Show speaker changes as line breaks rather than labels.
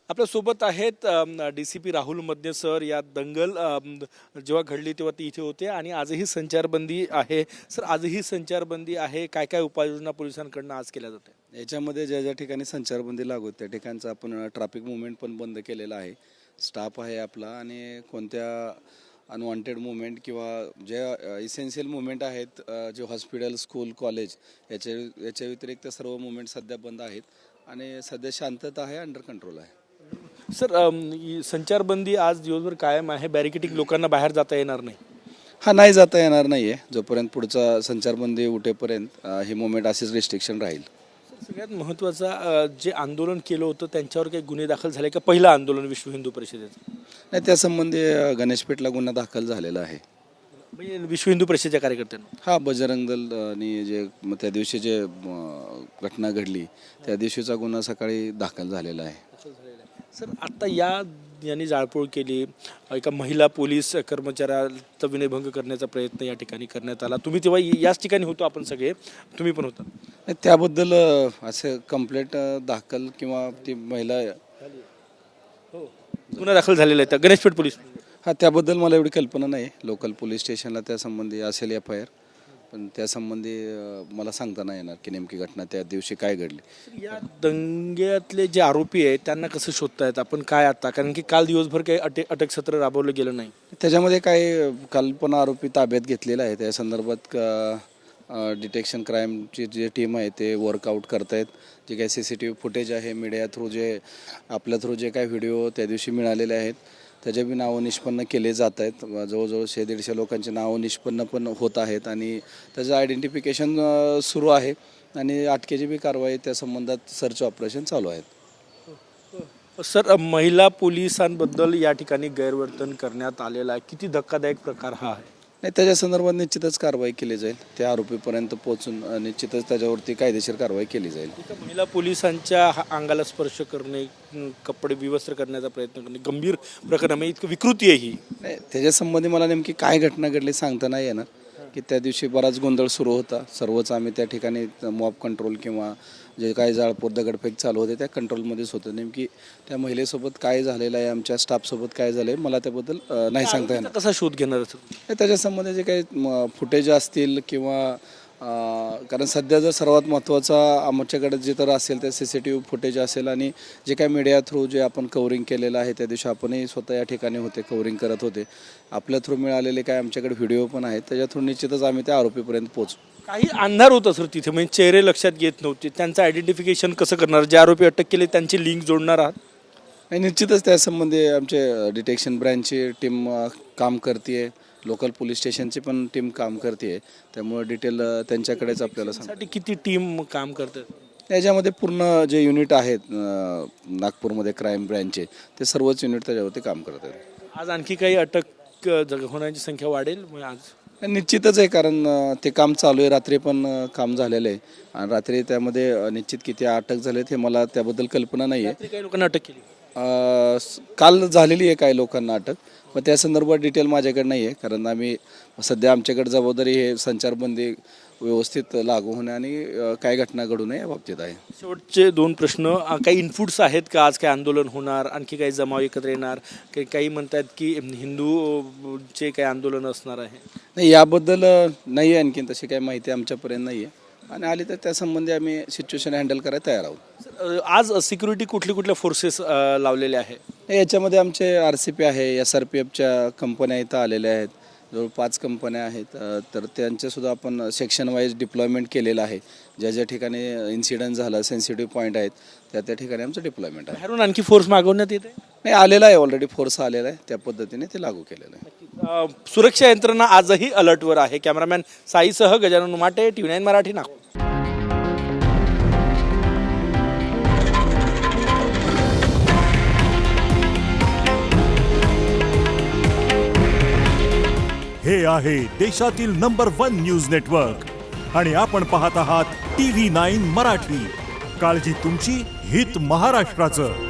आपल्यासोबत आहेत DCP Rahul मदने sir. या दंगल जेव्हा घडली तेव्हा ते इथे होते आणि आजही संचारबंदी आहे. सर, आजही संचारबंदी आहे. काय काय उपाययोजना पोलिसांकडून आज केल्या जाते?
याच्यामध्ये ज्या ज्या ठिकाणी संचारबंदी लागू त्या ठिकाणचं आपण ट्रॅफिक मुवमेंट पण बंद केलेला आहे. स्टाफ आहे आपला आणि कोणत्या अनवॉन्टेड मुवमेंट किंवा ज्या इसेन्शियल मुवमेंट आहेत जे हॉस्पिटल, स्कूल, कॉलेज याच्या व्यतिरिक्त सर्व मुवमेंट सध्या बंद आहेत आणि सध्या शांतता आहे, अंडर कंट्रोल आहे.
सर, संचारबंदी आज दिवसभर कायम आहे. बॅरिकेटिंग, लोकांना बाहेर जाता येणार नाही.
हा, नाही जाता येणार नाही आहे. जोपर्यंत पुढचा संचारबंदी उठेपर्यंत ही मुवमेंट अशीच रिस्ट्रिक्शन राहील.
सगळ्यात महत्त्वाचा जे आंदोलन केलं होतं त्यांच्यावर काही गुन्हे दाखल झाले का? पहिलं आंदोलन विश्व हिंदू परिषदेचं.
नाही, त्यासंबंधी गणेशपेठला गुन्हा दाखल झालेला आहे.
म्हणजे विश्व हिंदू परिषदेच्या कार्यकर्त्यांना.
हा, बजरंग दल आणि जे त्या दिवशी जे घटना घडली त्या दिवशीचा गुन्हा सकाळी दाखल झालेला आहे.
सर, आता यांनी जाळपोळ केली, एका महिला पोलीस कर्मचाऱ्याचा विनयभंग करण्याचा प्रयत्न या ठिकाणी करण्यात आला. तुम्ही तेव्हा याच ठिकाणी होतो, आपण सगळे, तुम्ही पण होता.
त्याबद्दल असं कंप्लेंट दाखल किंवा ती महिला
गुन्हा दाखल झालेला आहे गणेशपेठ पोलीस.
हा, त्याबद्दल मला एवढी कल्पना नाही. लोकल पोलीस स्टेशनला त्यासंबंधी असेल FIR, पण त्यासंबंधी मला सांगता नाही येणार की नेमकी घटना त्या दिवशी काय घडली.
या दंग्यातले जे आरोपी आहेत त्यांना कसं शोधतायत आपण काय आता? कारण की काल दिवसभर काही अटक सत्र राबवलं गेलं नाही.
त्याच्यामध्ये काही कल्पना आरोपी ताब्यात घेतलेला आहे. त्या संदर्भात डिटेक्शन क्राईमची जे टीम आहे ते वर्कआउट करतायत. जे काही CCTV फुटेज आहे, मीडिया थ्रू आपल्या थ्रू जे काही व्हिडिओ त्या दिवशी मिळालेले आहेत त्याचे बी नावं निष्पन्न केले जात आहेत. जवळजवळ 100-150 लोकांची नावं निष्पन्न पण होत आहेत आणि त्याचं आयडेंटिफिकेशन सुरू आहे आणि अटकेची बी कारवाई त्या संबंधात सर्च ऑपरेशन चालू आहेत.
सर, महिला पोलिसांबद्दल या ठिकाणी गैरवर्तन करण्यात आलेला आहे. किती धक्कादायक प्रकार हा आहे?
नाही, त्याच्या संदर्भात निश्चितच कारवाई केली जाईल. त्या आरोपीपर्यंत पोहोचून निश्चितच त्याच्यावरती कायदेशीर कारवाई केली जाईल.
महिला पोलिसांच्या अंगाला स्पर्श करणे, कपडे विवस्त्र करण्याचा प्रयत्न करणे गंभीर प्रकरण आहे. इतकं विकृती आहे ही.
नाही, त्याच्या संबंधी मला नेमकी काय घटना घडली सांगता नाही येणार. की त्या दिवशी बराच गोंधळ सुरू होता. सर्वच आम्ही त्या ठिकाणी मॉब कंट्रोल किंवा जे काही जाळपोळ दगडफेक चालू होते त्या कंट्रोलमध्येच होतं. नेमकी त्या महिलेसोबत काय झालेलं आहे, आमच्या स्टाफसोबत काय झालं आहे, मला त्याबद्दल नाही सांगता येणार.
कसा शोध घेणार?
त्याच्या संबंधी जे काही फुटेज असतील किंवा कारण सध्या जर सर्वात महत्त्वाचा आमच्याकडे जे तर असेल ते CCTV फुटेज असेल आणि जे काही मीडिया थ्रू जे आपण कव्हरिंग केलेलं आहे त्या दिवशी आपणही स्वतः या ठिकाणी होते, कव्हरिंग करत होते. आपल्या थ्रू मिळालेले काय आमच्याकडे व्हिडिओ पण आहेत. त्याच्या थ्रू निश्चितच आम्ही त्या आरोपीपर्यंत पोहोचू.
काही अंधार होता सर तिथे, म्हणजे चेहरे लक्षात येत नव्हते. त्यांचं आयडेंटिफिकेशन कसं करणार? जे आरोपी अटक केले त्यांची लिंक जोडणार आहात?
आणि निश्चितच त्यासंबंधी आमचे डिटेक्शन ब्रँचची टीम काम करते, लोकल पोलीस स्टेशनची पण टीम काम करते. त्यामुळे डिटेल त्यांच्याकडेच आपल्याला
साठी किती टीम काम करतात?
याच्यामध्ये पूर्ण जे युनिट आहेत नागपूरमध्ये क्राईम ब्रँचचे ते सर्वच युनिट त्याच्यावरती काम करतात.
आज आणखी काही अटक होण्याची संख्या वाढेल आज?
निश्चितच आहे, कारण ते काम चालू आहे. रात्री पण काम झालेलं आहे आणि रात्री त्यामध्ये निश्चित किती अटक झालेत हे मला त्याबद्दल कल्पना नाही आहे.
काही लोकांना अटक केली
काल झालेली आहे काही लोकांना अटक, पण त्या संदर्भात डिटेल माझ्याकडे नाही आहे. कारण आम्ही सध्या आमच्याकडे जबाबदारी हे संचारबंदी व्यवस्थित लागू होणे आणि काय घटना घडू नये या बाबतीत आहे.
शेवटचे 2 प्रश्न. काही इनपुट्स आहेत का? आज काही आंदोलन होणार, आणखी काही जमाव एकत्र येणार? काही म्हणतात की हिंदूचे काही आंदोलन असणार आहे?
नाही, याबद्दल नाही आहे आणखीन तशी काही माहिती आमच्यापर्यंत नाही आहे आणि आली तर त्यासंबंधी आम्ही सिच्युएशन हँडल करायला तयार आहोत.
आज सिक्युरिटी कुठल्या फोर्सेस लावलेले आहे?
याच्यामध्ये आमचे RCP आहे, SRPFच्या कंपन्या इथं आलेल्या आहेत. जवळ 5 कंपन्या आहेत. तर त्यांच्यासुद्धा आपण सेक्शन वाईज डिप्लॉयमेंट केलेलं आहे. ज्या ज्या ठिकाणी इन्सिडेंट झाला, सेन्सिटिव्ह पॉईंट आहेत त्या ठिकाणी आमचं डिप्लॉयमेंट आहे.
बाहेरून आणखी फोर्स मागवण्यात येते?
नाही, आलेला आहे, ऑलरेडी फोर्स आलेला आहे. त्या पद्धतीने ते लागू केलेलं आहे.
सुरक्षा यंत्रणा आजही अलर्टवर आहे. कॅमेरामॅन साईसह गजानन उमाटे, TV9 मराठी, नागपूर.
हे आहे देशातील नंबर 1 न्यूज नेटवर्क आणि आपण पाहत आहात TV9 मराठी. काळजी तुमची, हित महाराष्ट्राचं.